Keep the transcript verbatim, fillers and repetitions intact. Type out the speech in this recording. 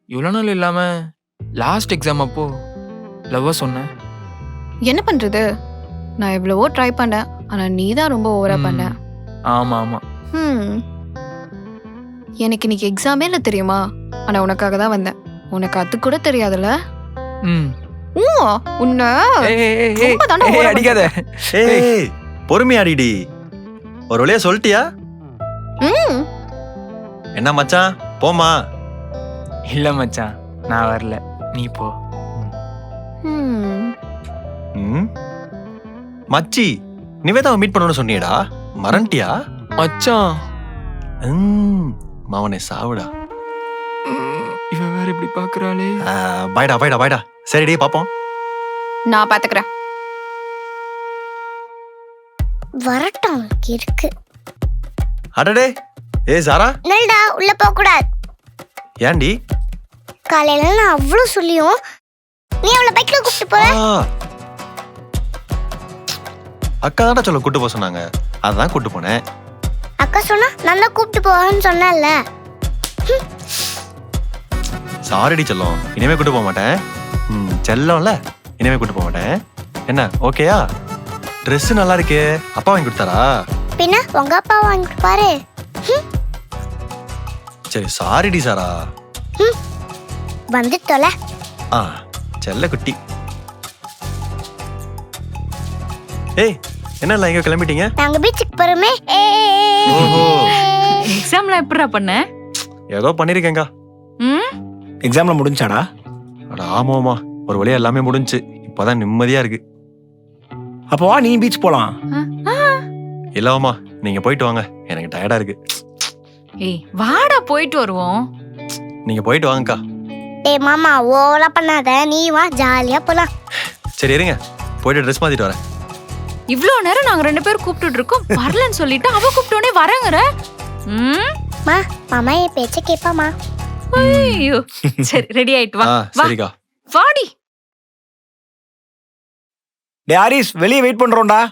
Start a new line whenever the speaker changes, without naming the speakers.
இவ்வளோ நாள் இல்லாம லாஸ்ட் எக்ஸாம் அப்போ லவ்வா சொன்னேன்.
என்ன பண்றது? நான் எவ்வளவோ ட்ரை பண்ணேன், ஆனா நீ தான் ரொம்ப ஓவரா பண்ண.
ஆமா ஆமா.
ம் எனக்கு இன்னைக்கு எக்ஸாமே இல்லை தெரியுமா? ஆனா உனக்காக தான் வந்தேன். உனக்கு அது கூட தெரியாதுல்ல?
ம்
ஊ உன்ன
ஏய், ஏய், ஏய்,
ரொம்ப தாண்டா
ஏய்,
ஓவரா
அடிக்காத.
ஏய் பொறுமையாடிடி. ஒரு வழியா சொல்லிட்டியா?
ம்
என்ன மச்சான் போமா?
இல்ல மச்சான், நான் வரல, நீ போ.
ம்
ம் மச்சி நிவேதாவை மீட் பண்ணணும்னு சொன்னியடா, மறந்துட்டியா?
மச்சான்
ம் மாவனே சாவுடா.
ம், இவன் வேற இப்படி பாக்குறாளே.
ஆ, பாய்டா பாய்டா பாய்டா. சரிடி பாப்போம்.
நான் பாத்துக்கிறேன்.
வரட்டும் இருக்கு.
அடடே ஏய் சாரா,
நல்டா உள்ள போக கூடாது.
ஏன்டி?
காலையில நான் அவ்வளவு சொல்லியும் நீ அவளை பைக்ல கூப்பிட்டு போற.
ஆ, அக்கா தான்டா சொல்ல கூட்டு போக சொன்னாங்க, அதான் கூட்டு போனேன்.
அக்கா சொன்னா நான் தான் கூப்பிட்டு போவேன்னு சொன்னேன்ல.
சாரிடி செல்லம், இனிமே கூட்டு போக மாட்டேன். ம் செல்லம்ல, இனிமே கூட்டு போக மாட்டேன். என்ன ஓகேயா? ட்ரெஸ் நல்லா இருக்கே, அப்பா வாங்கி கொடுத்தாரா?
பின்ன உங்க அப்பா வாங்கி கொடுப்பாரு.
சரி சாரிடி சாரா.
வந்து தொலை.
ஆ செல்ல குட்டி. ஏய் என்ன இல்லை எங்க கிளம்பிட்டீங்க?
நாங்க பீச்சுக்கு போறோமே.
ஓஹோ,
எக்ஸாம்லாம் எப்படிடா பண்ண?
ஏதோ பண்ணிருக்கேங்கா.
ம்
எக்ஸாம்ல முடிஞ்சாடா?
அட ஆமாமா, ஒரு வழியா எல்லாமே முடிஞ்சு. இப்பதான் நிம்மதியா இருக்கு.
அப்போ வா நீ பீச் போலாம்.
இல்லவாமா, நீங்க போயிட்டு வாங்க, எனக்கு டயர்டா இருக்கு.
ஏய் வாடா போயிட்டு வருவோம்.
நீங்க போயிட்டு வாங்கக்கா.
டேய் மாமா ஓவரா பண்ணாத, நீ வா ஜாலியா போலாம்.
சரி இருங்க, போயிட்டு ட்ரெஸ் மாத்திட்டு வரேன்.
இவ்ளோ நேரம் நாங்க ரெண்டு பேரும் கூப்பிட்டுட்டு இருக்கோம், வரலன்னு சொல்லிட்டு அவ கூப்பிட்டோனே வரங்கற. ம்
மா மாமா என் பேச்ச கேப்பாமா.
ஐயோ சரி ரெடி ஆயிட்டு வா.
ஆ
வா
சரிக்கா.
வாடி.
டே ஹாரிஸ், வெளியே வெயிட் பண்றோம்டா.